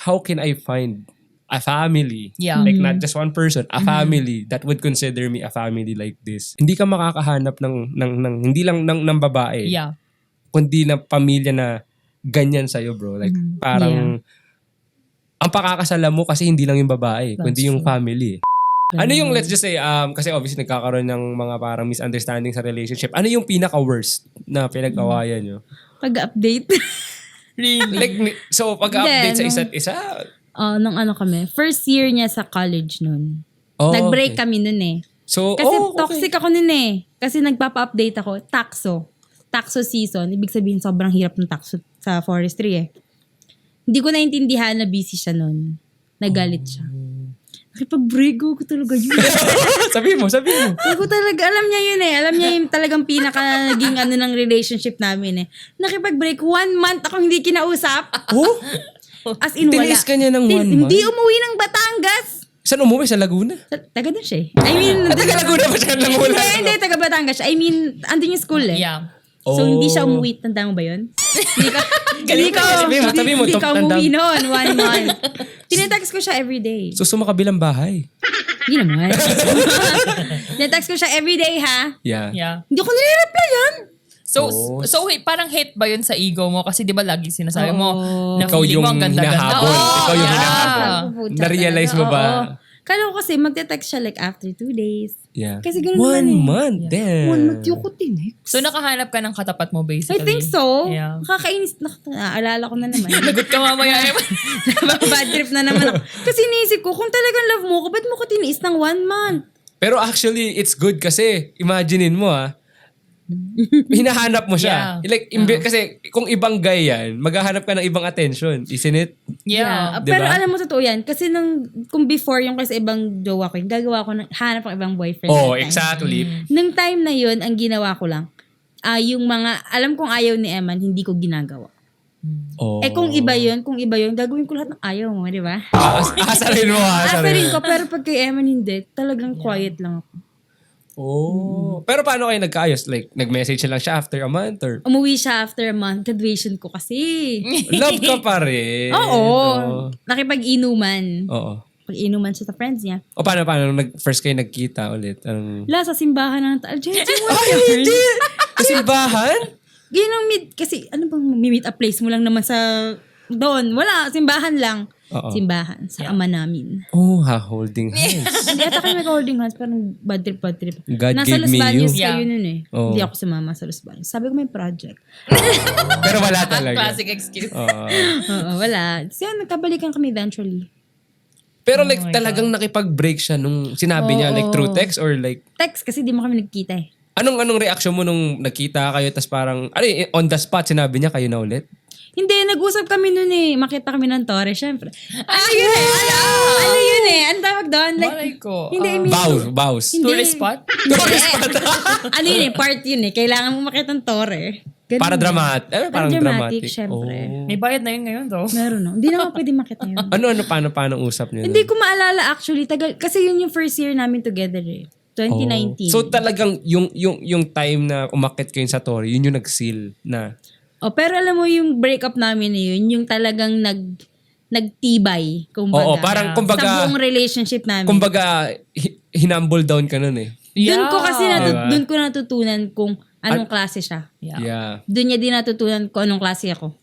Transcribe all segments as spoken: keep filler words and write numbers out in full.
how can I find a family, Yeah. like Mm-hmm. not just one person, a family that would consider me a family like this. Hindi ka makakahanap ng, ng, ng hindi lang ng, ng babae, Yeah. kundi ng pamilya na ganyan sa'yo, bro. Like, Mm-hmm. parang, ang pakakasala mo kasi hindi lang yung babae, That's kundi yung true. family. Ano yung, let's just say, um, kasi obviously nagkakaroon ng mga parang misunderstanding sa relationship. Ano yung pinaka-worst na pinag-awayan nyo? Pag-update. Really? Like, ni- so pag-update sa Hindi, isa't isa, uh, nung ano kami, first year niya sa college nun. oh, Nag-break okay. kami nun eh. So, Kasi oh, okay. toxic ako nun eh. Kasi nagpapa-update ako. Taxo. Taxo season. Ibig sabihin sobrang hirap ng taxo sa forestry eh. Hindi ko naintindihan na busy siya nun. Nagalit siya. Nakipag-break ko talaga yun. sabihin mo, sabihin mo. Ako talaga, alam niya yun eh. Alam niya yung talagang pinaka naging ano ng relationship namin eh. Nakipag-break, one month akong hindi kinausap. Oh? As in, wala. Tiniis ka niya ng Tin- one Hindi month? umuwi ng Batangas. Saan umuwi? Sa Laguna? Sa- Taga doon siya eh. I mean, At taga Laguna ba siya lang wala? hindi, hindi, taga Batangas siya. I mean, andun yung school eh. Yeah. So, Oh. hindi siya umuwi. Tanda mo ba yun? Hindi ka, hindi ka, Sabihin mo, hindi, sabihin mo, hindi top- ka tanda- umuwi noon. One month. Tinetext ko siya everyday. So, sumakabilang bahay. Hindi naman. Tinetext ko siya everyday ha. Yeah. Yeah. Hindi ko nire-replyan. So, Oh. so hey, parang hate ba yun sa ego mo? Kasi di ba lagi sinasabi mo, Oo. na Ikaw feeling mo yung ang ganda-ganda. hinahabol. Oo, Ikaw yung yeah. hinahabol. Na-realize mo ba? Kala ko kasi magte-text siya like after two days. Yeah. Kasi ganun One naman eh. month. Damn. One month yung ko tinext. So, nakahanap ka ng katapat mo I basically. think so. Yeah. Nakakainis. Nak- Naalala ko na naman. Lagot ka mamaya. Bad trip na naman ako. Kasi iniisip ko, kung talagang love mo ko, ba't mo ko tiniis ng one month? Pero actually, it's good kasi, imaginein mo ah, hinahanap mo siya. Yeah. Like, imbe- kasi kung ibang guy yan, maghahanap ka ng ibang attention. Isn't it? Yeah. Uh, Diba? Pero alam mo, totoo yan. Kasi nung, kung before yung kasi ibang jowa ko, yung gagawa ko, ng, hanap ang ibang boyfriend. Oh, that time. exactly. Nung time na yun, ang ginawa ko lang, ah yung mga, alam kong ayaw ni Eman, hindi ko ginagawa. Oh. Eh kung iba yun, kung iba yun, gagawin ko lahat ng ayaw mo, di ba? As- asarin mo, asarin Asarin mo. ko, pero pag kay Eman hindi, talagang quiet lang ako. Oh. Pero paano kayo nagkaayos? Like, nag-message lang siya after a month or Umuwi siya after a month, graduation ko kasi. love ka pa rin? Oo. Oh. Nakipag-inuman. Oo. Pag-inuman siya sa friends niya. O paano, paano? Nung nag, first kayo nagkita ulit? Anong... Wala, sa simbahan ng Taal. Jensen, what Ay, hindi! Kasimbahan? Yun ang meet, kasi ano bang meet a place mo lang naman sa doon. Wala, simbahan lang. Oo. Simbahan, sa ama namin. Oh, ha, holding hands. Hindi ata kami mag-holding hands, parang bad trip, bad trip. God Nasa gave Los me Baños you. kayo Yeah. nun eh. Oo. Hindi ako sumama sa Los Baños. Sabi ko may project. Pero wala talaga. Classic excuse. Oo. Oo, wala. So yun, nagkabalikan kami eventually. Pero Oh like my talagang nakipag-break siya nung sinabi niya, like Oo. through text or like, Text kasi di mo kami nagkita eh. anong anong reaction mo nung nagkita kayo tas parang, ano yun, on the spot sinabi niya kayo na ulit? Hindi, nag-usap kami nun eh. Makita kami ng Torre, syempre. Ano yun eh? Ano, ano yun eh? Ang tawag doon? Like, Malay ko. hindi, I Ah, mean, Vows, vows. Hindi. tourist spot? Tourist spot. ano yun eh? Part yun eh. Kailangan mo makita ng Torre. Ganun Para eh. dramatic. Eh, parang dramatic, dramatic. syempre. Oh. May bayad na yun ngayon though. Meron no? Hindi naman pwede makita yun. Ano, ano, paano, paano usap niyo? Hindi ko maalala actually. Tagal, kasi yun yung first year namin together eh. twenty nineteen. Oh. So talagang yung yung yung time na umakyat kayo sa Torre, yun yung nag-seal na. oh, pero alam mo yung breakup namin na yun, yung talagang nag nagtibay, kumbaga. Oo, parang sa kumbaga, buong relationship namin. kumbaga hi- hinumble down ka nun eh. Doon ko kasi natu- Diba? doon ko natutunan kung anong klase siya. Yeah. Yeah. Doon niya din natutunan kung anong klase ako.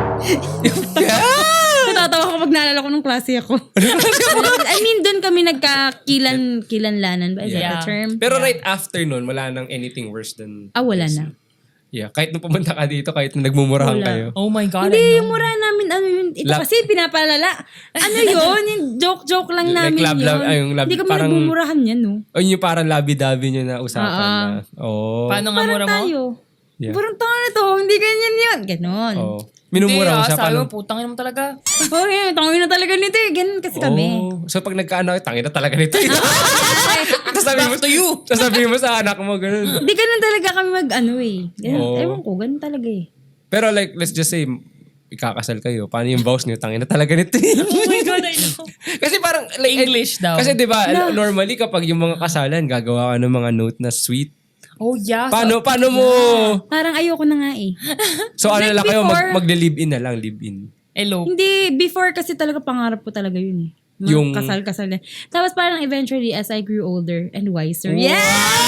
Natatawa ko pag naalala ko nung klase ako. I mean, doon kami nagkakilan kilanlanan ba? Is that Yeah. the term? Pero right after nun, wala nang anything worse than... Ah, wala na. Yeah, kahit nung pumunta ka dito, kahit nung nagmumurahan Wala. kayo. Oh my God, Hindi, I yung know. mura namin, ano yun, ito Lab- kasi pinapalala. Ano yun? Yung joke-joke lang Like namin lab- yun. lab- ay, yung lab- Hindi kami parang- nagmumurahan yan, no? O yun yung parang labi-dabi nyo na usapan Ah, na. Oo. Paano nga Parang mura mo? tayo. Yeah. Parang tayo na to, hindi ganyan yun. Ganon. Oo. Minumura mo Hindi, siya. ah, sabi Paano? mo, putang ina mo talaga. Okay, tangin na talaga nito eh. Ganon kasi kami. Oh. So pag nagkaano, tangin na talaga nito. Tapos sabi mo, Back to you. Tapos sabi mo sa anak mo, ganun. Hindi ganon talaga kami mag-ano eh. Ganon. Oo. Ewan ko, ganon talaga eh. Pero like, let's just say, ikakasal kayo. Paano yung vows niyo? Tangin na talaga nito. Oh my God, I know. Kasi parang, like, English daw. Kasi di ba normally kapag yung mga kasalan, gagawa ka ng mga note na sweet. Oh yeah. Paano, paano mo? Parang ayoko na nga eh. So ano Like lang kayo, before- mag, magle-live-in na lang, live-in. Elope. Hindi, before kasi talaga pangarap ko talaga yun eh. Mga Yung- kasal-kasal na. Tapos parang eventually, as I grew older and wiser. Yeah!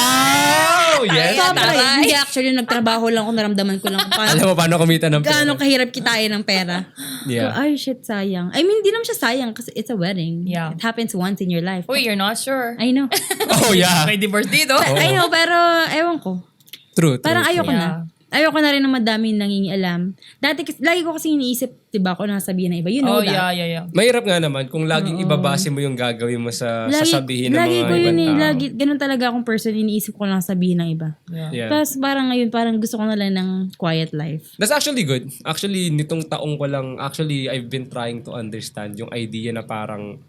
Wow! Yes! Sobra. Taray. Hindi actually, nagtrabaho lang ako, naramdaman ko lang kung paano, Alam mo paano kumita ng pera. gaano kahirap kitain ng pera. Yeah. Ay, shit, sayang. I mean, di naman siya sayang kasi it's a wedding. Yeah. It happens once in your life. Uy, you're not sure. I know. Oh, yeah. May divorce dito. I know, pero ewan ko. True, true. Parang ayoko Yeah. na. Ayoko na rin na madaming nangingialam. Dati, kasi- lagi ko kasi iniisip, diba, kung nasabihin ng iba. You know Oh, that. yeah, yeah, yeah. Mahirap nga naman kung laging ibabase mo yung gagawin mo sa Lagi, sasabihin ng lagi mga ko ibang yun eh. tao. Lagi, ganun talaga akong person, iniisip ko lang sabihin ng iba. Yeah. Yeah. Tapos parang ngayon, parang gusto ko na lang ng quiet life. That's actually good. Actually, nitong taong ko lang, actually, I've been trying to understand yung idea na parang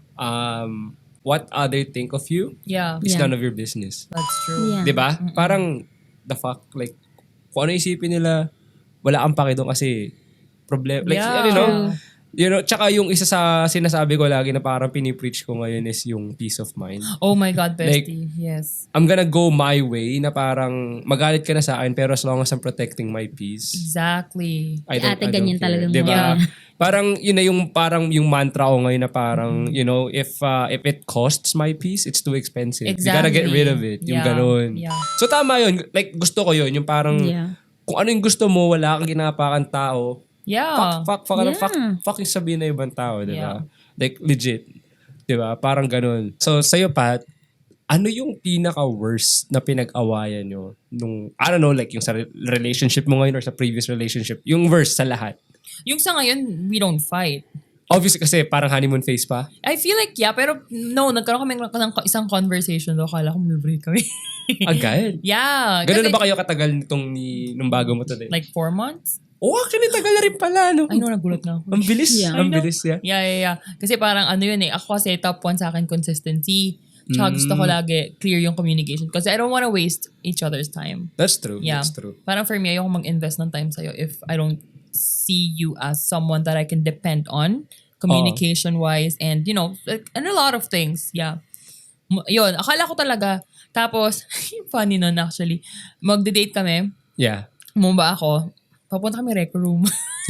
um, what other think of you Yeah. is Yeah. none of your business. That's true. Yeah. 'Di ba? Parang the fuck, like, kung ano isipin nila, wala kang pake doon kasi problem. Like, Yeah. you know, True. you know, tsaka yung isa sa sinasabi ko lagi na parang pinipreach ko ngayon is yung peace of mind. Oh my God, Like- bestie. Yes. I'm gonna go my way na parang magalit ka na sa akin pero as long as I'm protecting my peace, Exactly. I Si don't, ate I don't ganyan care. talagang Diba? mga- Parang yun na yung parang yung mantra ko ngayon na parang, you know, if uh, if it costs my peace, it's too expensive. You gotta get Exactly. rid of it. Yung Yeah. ganun. Yeah. So tama yun. Like gusto ko yun. Yung parang Yeah. kung ano yung gusto mo, wala kang ginapakan tao. Yeah. Fuck, fuck, fuck, Yeah. fuck, fucking sabihin na ibang tao, di ba? Yeah. Like legit. Di ba? Parang ganun. So sa'yo, Pat, ano yung pinaka-worst na pinag-awayan nyo nung, I don't know, like yung sa re- relationship mo ngayon or sa previous relationship? Yung worst sa lahat. Yung sa ngayon, we don't fight. Obviously kasi parang honeymoon phase pa. I feel like, yeah, pero no, nagkaroon kami ng isang conversation do. Kala ko mag-break kami. Agad. Yeah. Ganun kasi, na ba kayo katagal nitong ni, nung bago mo today? Like four months? Oh, actually tagal na rin pala, no? I know, nagulat na ako. Ang bilis. Yeah. Ang I know. bilis, yeah. Yeah, yeah, yeah. Kasi parang ano yun eh. Ako kasi top one sa akin consistency. Tsaka gusto Mm. ko lagi clear yung communication. Kasi I don't wanna waste each other's time. That's true. Yeah. That's true. Parang for me, ayoko mag-invest ng time sa'yo if I don't see you as someone that I can depend on communication-wise and, you know, like, and a lot of things. Yeah. M- Yun, akala ko talaga. Tapos, funny nun actually, magde-date kami, Yeah. bumaba ako, papunta kami rec room.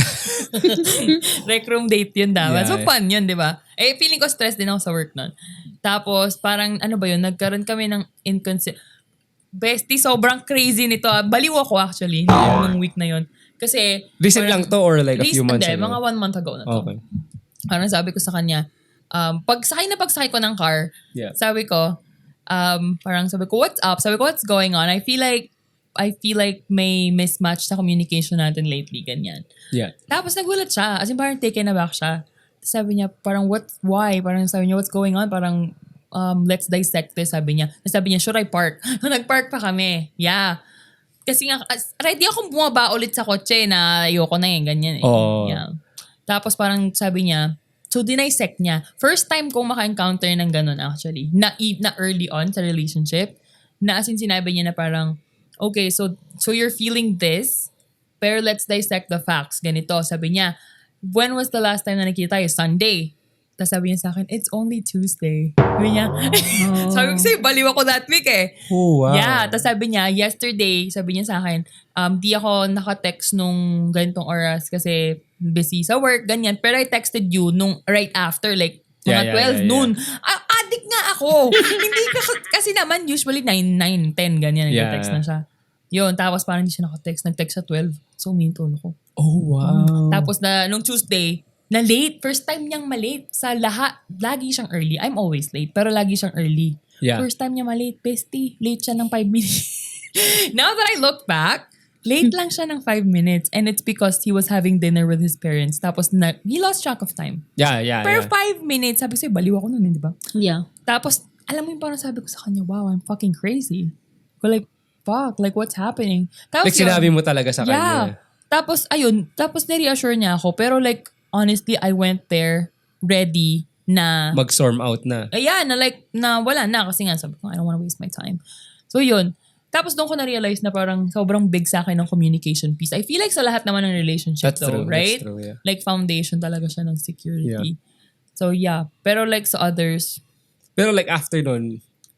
Rec room date yun dapat. Yeah. So fun yun, di ba? Eh, feeling ko stress din ako sa work nun. Tapos, parang ano ba yun, nagkaroon kami ng inconsistent. Bestie, sobrang crazy nito. ah. Baliw ako actually, nung week na yun. Kasi, Recent lang to or like a few recent, months hindi, ago? mga one month ago na to. Okay. Parang sabi ko sa kanya, um, pagsakay na pagsakay ko ng car, Yeah. sabi ko, um, parang sabi ko, what's up? Sabi ko, what's going on? I feel like, I feel like may mismatch sa communication natin lately, ganyan. Yeah. Tapos nagulat siya. As in, parang taken aback siya. Sabi niya, parang what, why? Parang sabi niya, what's going on? Parang, um, let's dissect this, sabi niya. Sabi niya, should I park? Nag-park pa kami. Yeah. Kasi nga, as- ready akong bumaba ulit sa kotse na ayoko na eh, ganyan eh. Oo. Yeah. Tapos parang sabi niya, so dinisect niya. First time kong maka-encounter ng ganun actually. Na, e- na early on sa relationship. Na as in sinabi niya na parang, okay, so so you're feeling this, pero let's dissect the facts. Ganito, sabi niya, when was the last time na nakita tayo? Sunday. Tapos sabi niya sa akin, it's only Tuesday. Sabi niya, sabi ko sa'yo, baliw ako that week eh. Oh, wow. Yeah, tapos sabi niya, yesterday, sabi niya sa akin, um, di ako naka-text nung ganitong oras kasi busy sa work, ganyan. Pero I texted you nung right after, like, Yeah, mga yeah, twelve yeah, yeah. noon. Ah, addict nga ako. Hindi ka, kasi naman, usually nine, nine, ten, ganyan, Yeah. nag-text na siya. Yun, tapos parang hindi siya naka-text. Nag-text sa twelve. So, minton ako. Oh, wow. Tapos na, nung Tuesday, na late. First time niyang malate. Sa lahat, lagi siyang early. I'm always late, pero lagi siyang early. Yeah. First time niya malate, bestie. Late siya ng five minutes. Now that I look back, late lang siya ng five minutes. And it's because he was having dinner with his parents. Tapos na, he lost track of time. Yeah, yeah, Pero yeah. five minutes, sabi ko sa'yo, baliw ako nun, eh, di ba? Yeah. Tapos, alam mo yung parang sabi ko sa kanya, wow, I'm fucking crazy. Ko like, fuck, like what's happening? Tapos Like sinabi mo talaga sa yeah. kanya. Tapos, ayun, tapos nare-assure niya ako. Pero like, honestly, I went there ready na, Mag-storm out na. ayan, na like, na wala na. Kasi nga, sabi ko, I don't wanna waste my time. So, yun. Tapos doon ko na-realize na parang sobrang big sa akin ng communication piece. I feel like sa lahat naman ng relationship That's though, true. right? That's true, yeah. Like, foundation talaga siya ng security. Yeah. So, yeah. Pero like sa others, Pero like after nun,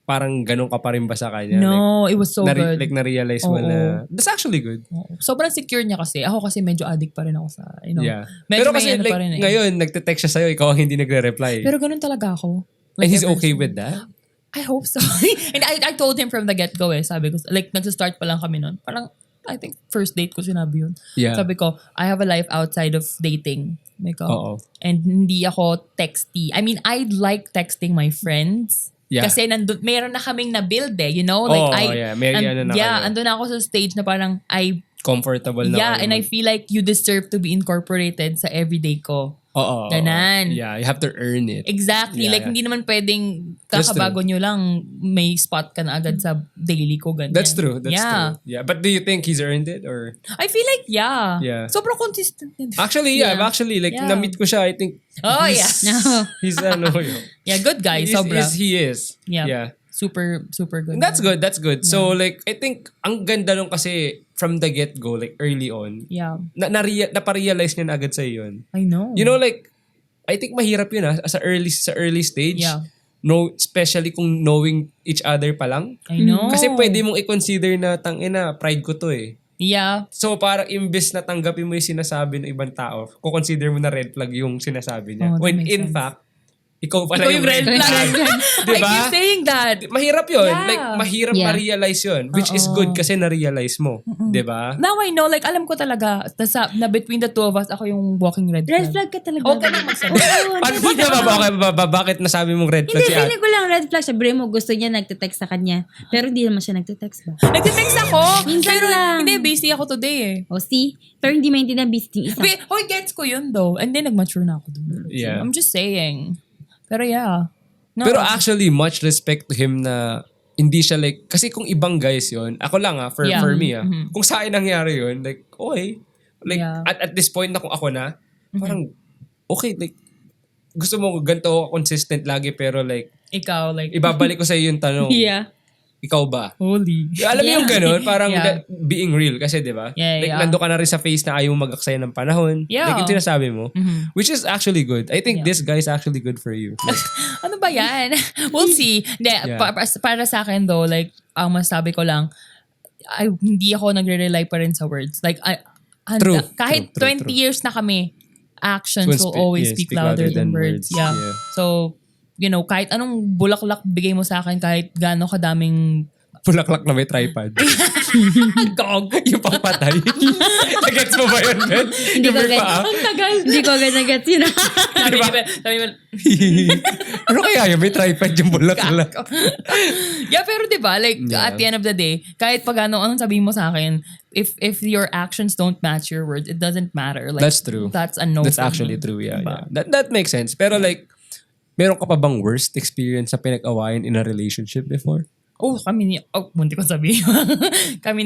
parang ganun ka pa rin ba sa kanya? No, it was so like, good. Like, na-realize mo Oo. na, that's actually good. Oo. Sobrang secure niya kasi. Ako kasi medyo addict pa rin ako sa, you know. Yeah. Medyo Pero may kasi ano like, pa rin eh. ngayon, nagte-text siya sa'yo, ikaw ang hindi nagre-reply. Pero ganun talaga ako. And he's ever okay since. with that? I hope so. And I, I told him from the get-go eh. Sabi ko, like, nagsa-start pa lang kami nun. Parang, I think, first date ko sinabi yun. Yeah. Sabi ko, I have a life outside of dating. Sabi ko, Oo. and hindi ako texty. I mean, I like texting my friends. Yeah. Kasi nandun, meron na kaming na-build eh, you know? Like, Oo, I, yeah. May and- ano na yeah, kayo. andun ako sa stage na parang, I, Comfortable na yeah, kayo. and I feel like you deserve to be incorporated sa everyday ko. Oo. Ganan. Yeah, you have to earn it. Exactly. Yeah, like, yeah. hindi naman pwedeng That's kakabago nyo lang, may spot ka na agad sa daily ko. Ganyan. That's true. That's yeah. true. Yeah. But do you think he's earned it or? I feel like, yeah. Yeah. Sobrang consistent. yun. Actually, yeah. Yeah. Actually, like, Yeah. na-meet ko siya, I think. Oh, he's, yeah. No. He's ano yun. Yeah, good guy. He's- Sobra. is- He is. Yeah. Yeah. Super, super good. That's good. That's good. So, like, I think, ang ganda nung kasi from the get-go, like, early on, Yeah. na, na naparealize niya na agad sa'yo yun. I know. You know, like, I think mahirap yun ah, sa early, sa early stage. Yeah. No, especially kung knowing each other pa lang. I know. Kasi pwede mong i-consider na, tangina, pride ko to eh. Yeah. So, parang imbes na tanggapin mo yung sinasabi ng ibang tao, kukonsider mo na red flag yung sinasabi niya. Oh, that When makes in sense. fact, ikaw pala Ikaw yung, red flag. I Diba? keep saying that. Mahirap yun. Yeah. Like, mahirap Yeah. ma-realize yun. Which is Oo. good kasi na-realize mo. Diba? Now I know, like, alam ko talaga, tas, sa- na between the two of us, ako yung walking red flag. Red flag ka talaga. Okay na magsabi. Oo, Paano hindi ba, ba, ba, ba, ba, ba, bakit nasabi mong red flag Hindi, si Ate? feeling ko lang red flag. Sabi mo, gusto niya nagte-text sa kanya. Pero hindi naman siya nagte-text ba? Nagte-text ako. Minsan pero lang. hindi, busy ako today eh. O see? Pero hindi maintindihan busy yung isa. Wait, hoy, gets ko yun though. And then nag-mature na ako dun. Yeah. I'm just saying. Pero yeah. No. Pero actually, much respect to him na hindi siya like, kasi kung ibang guys yon ako lang ah, for, Yeah. for me ah, Mhm. kung sa akin nangyari yun, like, okay. Like, Yeah. at, at this point na kung ako na, parang, okay, like, gusto mo ganito ako consistent lagi, pero like, Ikaw, like, ibabalik ko sa iyo yung tanong, Yeah. ikaw ba? holy. Alam mo Yeah. yung ganun, parang Yeah. that- being real kasi, di ba? Yeah, like, yeah. nando ka na rin sa phase na ayaw mo mag-aksaya ng panahon. Yeah. Like, yung sinasabi mo. Mhm. Which is actually good. I think Yeah. this guy is actually good for you. Like, Ano ba yan? We'll see. Hindi, Yeah. pa- pa- para sa akin though, like, ang masabi ko lang, ay, hindi ako nagre-rely pa rin sa words. Like, I, handa, True, kahit true, true, twenty true. years na kami, actions Will will speak- always yeah, speak, speak louder, louder than, than words. words. Yeah. Yeah. So, you know, kahit anong bulaklak bigay mo sa akin, kahit gaano kadaming Pulaklak na may tripod. gog. Yung pangpatay. Nagets mo ba yun, Ben? Hindi Yung ko may agad, paa? ang tagal. Hindi ko agad nag-gets yun. Sabi Diba? niya, sabi mo, Ano kaya yun? May tripod yung bulaklak. yeah, pero 'di ba, like Yeah. at the end of the day, kahit pag ano anong sabihin mo sa akin, if if your actions don't match your words, it doesn't matter. Like That's true. That's a no. That's for actually me. true, yeah, Diba? yeah. That, that makes sense. Pero like, meron ka pa bang worst experience sa pinag-awayan in a relationship before? Oh, kami ni oh, munti ko sabihin. kami ni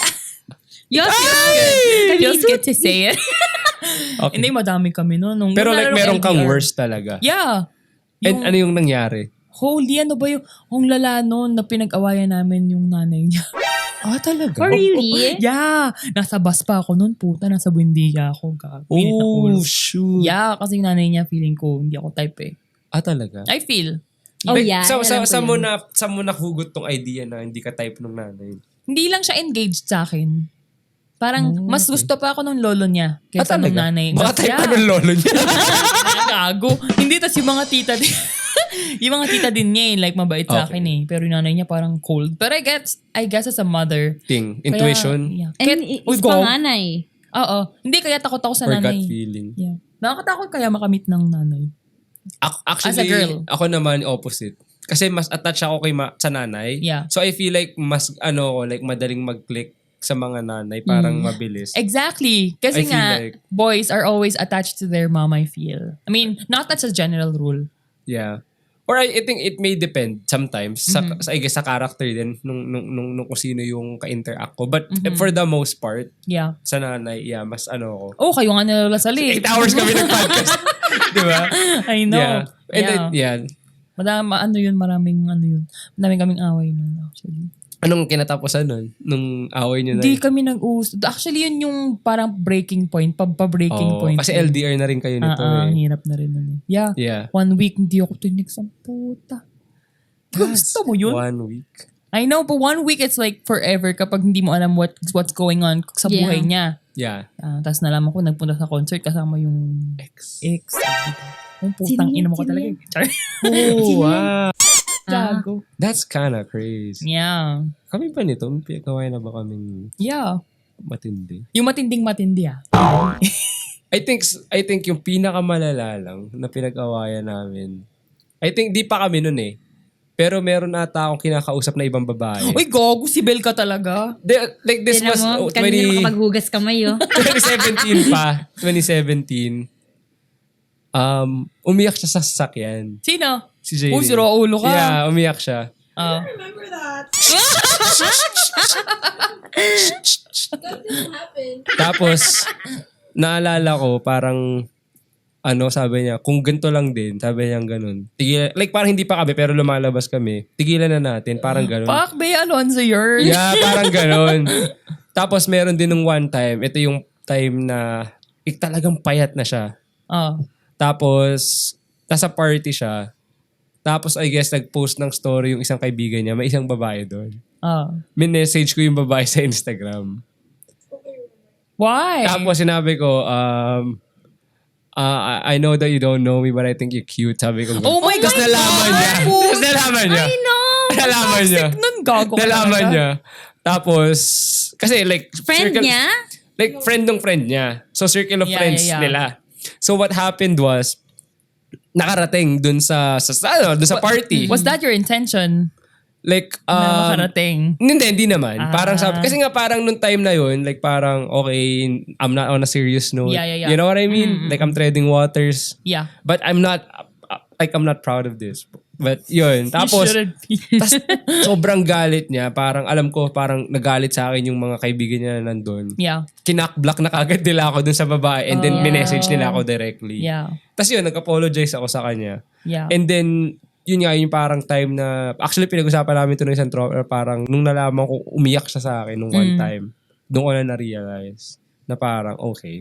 Yes, Feels good to say it. Okay. Hindi, madami kami no. Nung, Pero nung like, nalarong meron kang L D R. worst talaga. Yeah. And Yung, ano yung nangyari? holy, ano ba yung, ang lala noon na pinag-awayan namin yung nanay niya. Ah, talaga? For really? Yeah. Nasa bus pa ako noon, puta. Nasa Buendia ako. Gago. Init na Oh, ulo. shoot. Yeah, kasi yung nanay niya, feeling ko, hindi ako type eh. Ah, talaga? I feel. Oh, Like, yeah. Sa, sa, alam ko sa, mo yun. na, sa mo nahugot tong idea na hindi ka type ng nanay? Hindi lang siya engaged sa akin. Parang, Oh, mas okay. gusto pa ako nung lolo niya Ah, kaysa nung talaga? nanay. Baka type Yeah. ka ng lolo niya. Gago. Hindi, tas yung mga tita din. yung mga tita din niya eh, like mabait sa Okay. akin eh. Pero yung nanay niya parang cold. But I guess, I guess as a mother. Thing. kaya- Intuition. yeah. And Kaya, i- Uy, is go. panganay. Oo. Hindi, kaya takot ako sa Or gut nanay. feeling. Yeah. Nakakatakot kaya makamit ng nanay. Ac- Actually, As a girl. ako naman opposite. Kasi mas attached ako kay ma- sa nanay. Yeah. So I feel like mas ano ko, like madaling mag-click sa mga nanay, parang Mm. mabilis. Exactly. I Kasi feel nga, like- boys are always attached to their mom, I feel. I mean, not that's a general rule. Yeah. Or I, I think it may depend sometimes sa, Mhm. sa I guess sa character din nung nung nung, nung kung sino yung ka-interact ko. But Mhm. for the most part, Yeah. sa nanay, yeah, mas ano ko. Oh, kayo nga nalalasali. Eight hours kami nag-podcast. Di ba? I know. Yeah. And yeah. then, yeah. Madami, ano yun, maraming ano yun. Maraming kaming away nun, actually. Anong kinatapusan nun? Nung away nyo na Hindi yun? kami nag-uus. Actually, yun yung parang breaking point, pa- pa-breaking Oo, point. kasi L D R na rin kayo nito Ah, ah, eh. hirap na rin nun eh. Yeah. Yeah. One week, hindi ako tinig sa puta. Gusto mo yun? One week. I know, but one week it's like forever kapag hindi mo alam what what's going on sa Yeah. buhay niya. Yeah. Uh, Tapos nalaman ko, nagpunta sa concert kasama yung Ex. ex. Ang putang Sino ina yan? mo ko Sino talaga. yan? eh. Char. Oh, wow. Gago. That's kinda crazy. Yeah. Kami ba nito? May pinagawa na ba kaming Yeah. matindi? Yung matinding matindi ah. I think I think yung pinakamalala lang na pinag-awayan namin. I think di pa kami nun eh. Pero meron ata akong kinakausap na ibang babae. Uy, gago, si Bel ka talaga. De- like this Tignan was mo, oh, kanina twenty makapaghugas kamay, oh. twenty seventeen pa. twenty seventeen. Um, umiyak siya sa sasakyan. Sino? Si Jay. Uy, sira ulo ka. Yeah, umiyak siya. Ah. Tapos, naalala ko, parang, ano, sabi niya, kung ganito lang din, sabi niya ganun. Tigilan, like, parang hindi pa kami, pero lumalabas kami. Tigilan na natin, parang ganun. Pak, Bea Alonzo yun. Yeah, parang ganun. Tapos, meron din nung one time, ito yung time na, ik, talagang payat na siya. Ah. Tapos, nasa party siya. Tapos, I guess, nag-post ng story yung isang kaibigan niya. May isang babae doon. Ah. Minessage ko yung babae sa Instagram. Why? Tapos sinabi ko, um, uh, I I know that you don't know me, but I think you're cute. Sabi ko. Oh my Tapos God! nalaman niya. Tapos nalaman niya. I know! Nalaman niya. Toxic nun, gago ka Nalaman talaga. niya. Tapos, kasi like, Friend circle- niya? Like, friend ng friend niya. So, circle of Yeah, friends yeah, yeah. nila. So, what happened was, nakarating dun sa, sa, sa ano, dun sa party. Was that your intention? Like, na um, makarating? hindi, hindi naman. Ah. Parang sabi, kasi nga parang nung time na yun, like parang, okay, I'm not on a serious note. Yeah, yeah, yeah. You know what I mean? Mm-mm. Like I'm treading waters. Yeah. But I'm not, uh, like I'm not proud of this. But yun. Tapos, You shouldn't be. tas, sobrang galit niya. Parang alam ko, parang nagalit sa akin yung mga kaibigan niya na nandun. Yeah. Kinak-block na kagad nila ako dun sa babae and then Oh. minessage nila ako directly. Yeah. Tapos yun, nag-apologize ako sa kanya. Yeah. And then, yun nga, yung parang time na, actually pinag-usapan namin ito ng isang tropa, parang nung nalaman ko, umiyak siya sa akin nung one Mm. time. Doon ko na na-realize na parang, okay,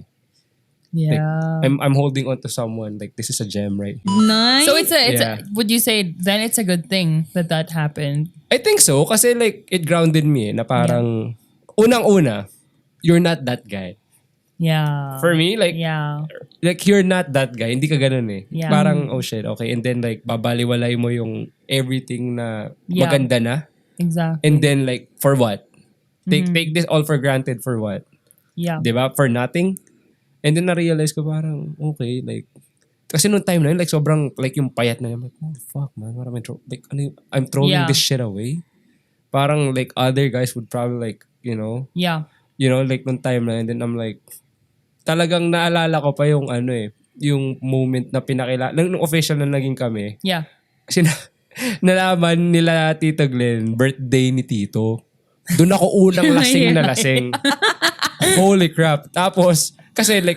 yeah. I'm I'm holding on to someone, like this is a gem right here. Nice. So it's a, it's Yeah. a, would you say then it's a good thing that that happened? I think so, kasi like, it grounded me eh, na parang, unang-una, you're not that guy. Yeah. For me, like, Yeah. like you're not that guy. Hindi ka ganun eh. Yeah. Parang, oh shit, okay. And then like, babaliwalay mo yung everything na Yeah. maganda na. Exactly. And then like, for what? Take Mm-hmm. take this all for granted for what? Yeah. Di ba? For nothing. And then na-realize ko parang, okay, like, kasi nung time na yun, like, sobrang, like, yung payat na yun, like, oh, fuck, man, what am I, throw- like, ano yung- I'm throwing Yeah. this shit away. Parang, like, other guys would probably, like, you know, Yeah. you know, like, nung time na yun, then I'm like, talagang naalala ko pa yung, ano eh, yung moment na pinakila, nung, nung official na naging kami, Yeah. kasi na, nalaman nila Tito Glenn, birthday ni Tito. Doon ako unang lasing na lasing. Holy crap. Tapos, kasi like,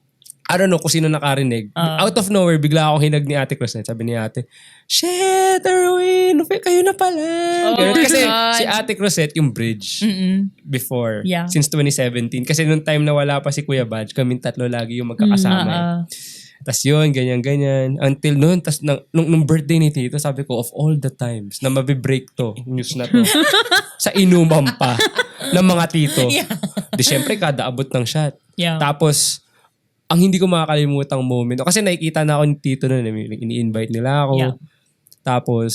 I don't know kung sino nakarinig. Ah. Out of nowhere, bigla ako hinag ni Ate Cruzet. Sabi ni Ate, shit, Erwin, kayo na pala. Oh Ganun. my Kasi God. si Ate Cruzet yung bridge Mm-mm. before, Yeah. since twenty seventeen. Kasi nung time na wala pa si Kuya Badge, kaming tatlo lagi yung magkakasama. eh. Ah, ah. Tapos yun, ganyan-ganyan. Until noon, tas nung, nung, nung birthday ni Tito, sabi ko, of all the times na mabibreak to, news na to, sa inuman pa ng mga tito. Yeah. Di syempre, kada abot ng shot. Yeah. Tapos, ang hindi ko makakalimutang moment, kasi nakikita na ako ni Tito noon, eh, ini-invite nila ako. Yeah. Tapos,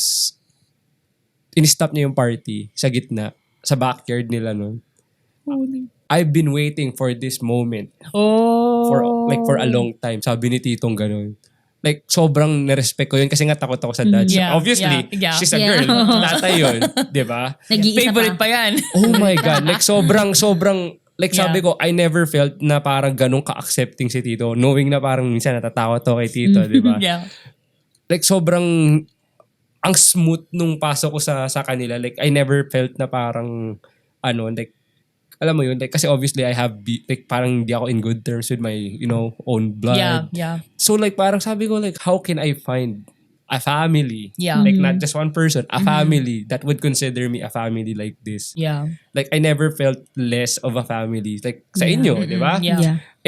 in-stop niya yung party sa gitna, sa backyard nila noon. I've been waiting for this moment Oh. for like for a long time. Sabi ni Titong ganun. Like, sobrang nirespect ko yun kasi nga takot ako sa dad. So, Mm, yeah, obviously, yeah, yeah. she's a Yeah. girl. Tatay yun. Di ba? Nag-iisa Favorite pa. pa yan. Oh my God. Like, sobrang, sobrang, like sabi Yeah. ko, I never felt na parang ganun ka-accepting si Tito. Knowing na parang minsan natatakot to kay Tito, di ba? Yeah. Like, sobrang, ang smooth nung pasok ko sa sa kanila. Like, I never felt na parang, ano, like, alam mo yun, like, kasi obviously I have, be, like, parang hindi ako in good terms with my, you know, own blood. Yeah. Yeah. So like parang sabi ko like how can I find a family? Yeah. Like not just one person, a family that would consider me a family like this. Yeah. Like I never felt less of a family like sa inyo, di ba? Yeah. Yeah. And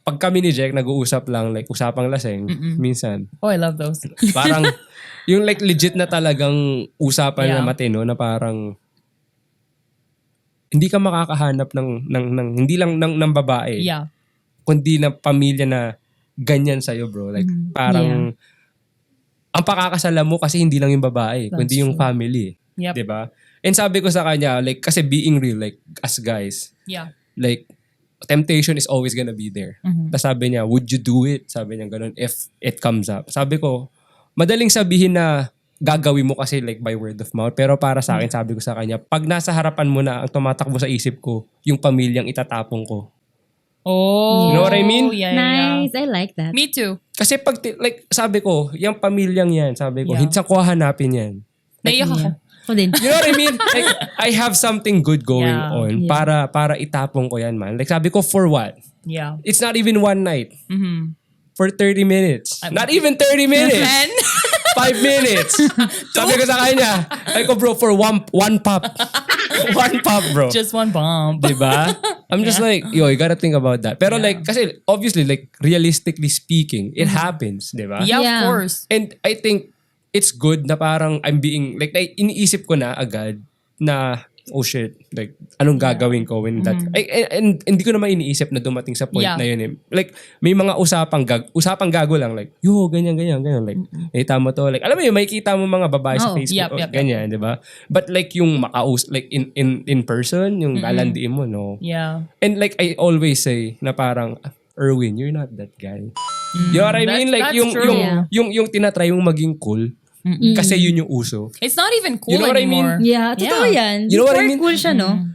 pag kami ni Jack nag-uusap lang, like usapang laseng, minsan, Oh, I love those. parang, yung like legit na talagang usapan na Yeah. matino na parang, hindi ka makakahanap ng, ng, ng hindi lang ng, ng babae, Yeah. kundi na pamilya na ganyan sa'yo, bro. Like, parang, ang pakakasala mo kasi hindi lang yung babae, That's kundi yung true. family. Yep. Diba? And sabi ko sa kanya, like, kasi being real, like, as guys, Yeah. like, temptation is always gonna be there. Mhm. Tapos sabi niya, would you do it? Sabi niya ganun, if it comes up. Sabi ko, madaling sabihin na gagawin mo kasi like by word of mouth. Pero para sa akin, sabi ko sa kanya, pag nasa harapan mo na, ang tumatakbo sa isip ko, yung pamilyang itatapong ko. Oh. You know what I mean? Yeah, yeah, yeah. Nice. I like that. Me too. Kasi pag, ti- like, sabi ko, yung pamilyang yan, sabi ko, Yeah. hindi sa ko hanapin yan. Naiyak ako. Ako din. You know what I mean? Like, I have something good going Yeah. on Yeah. para para itapong ko yan, man. Like, sabi ko, for what? Yeah. It's not even one night. Mm-hmm. For thirty minutes. I'm- Not even thirty minutes. And, Five minutes. Sabi ko sa kanya, ay ko bro, for one one pop. One pop, bro. just one bomb. Diba? I'm just like, yo, you gotta think about that. Pero Yeah. like, kasi obviously, like, realistically speaking, it happens, diba? Yeah, Yeah. of course. And I think it's good na parang I'm being, like, na, iniisip ko na agad na, oh shit, like, anong gagawin ko when that, ay, and, and hindi ko naman iniisip na dumating sa point Yeah. na yun eh. Like, may mga usapang gag, usapang gago lang, like, yo, ganyan, ganyan, ganyan, like, nakita mo to, like, alam mo yun, makikita mo mga babae sa Oo. Facebook, Yup, oh, yup, yup. ganyan, di ba? But like, yung makaus, like, in, in, in person, yung lalandiin mo, no? Yeah. And like, I always say, na parang, Erwin, you're not that guy. You know what I That's- mean? Like, that's yung, true. yung, Yeah. yung, yung tinatry mong maging cool, kasi yun yung uso. It's not even cool You know what I mean? anymore. Yeah, totoo Yeah. yan. You know what I Before mean? cool siya, no?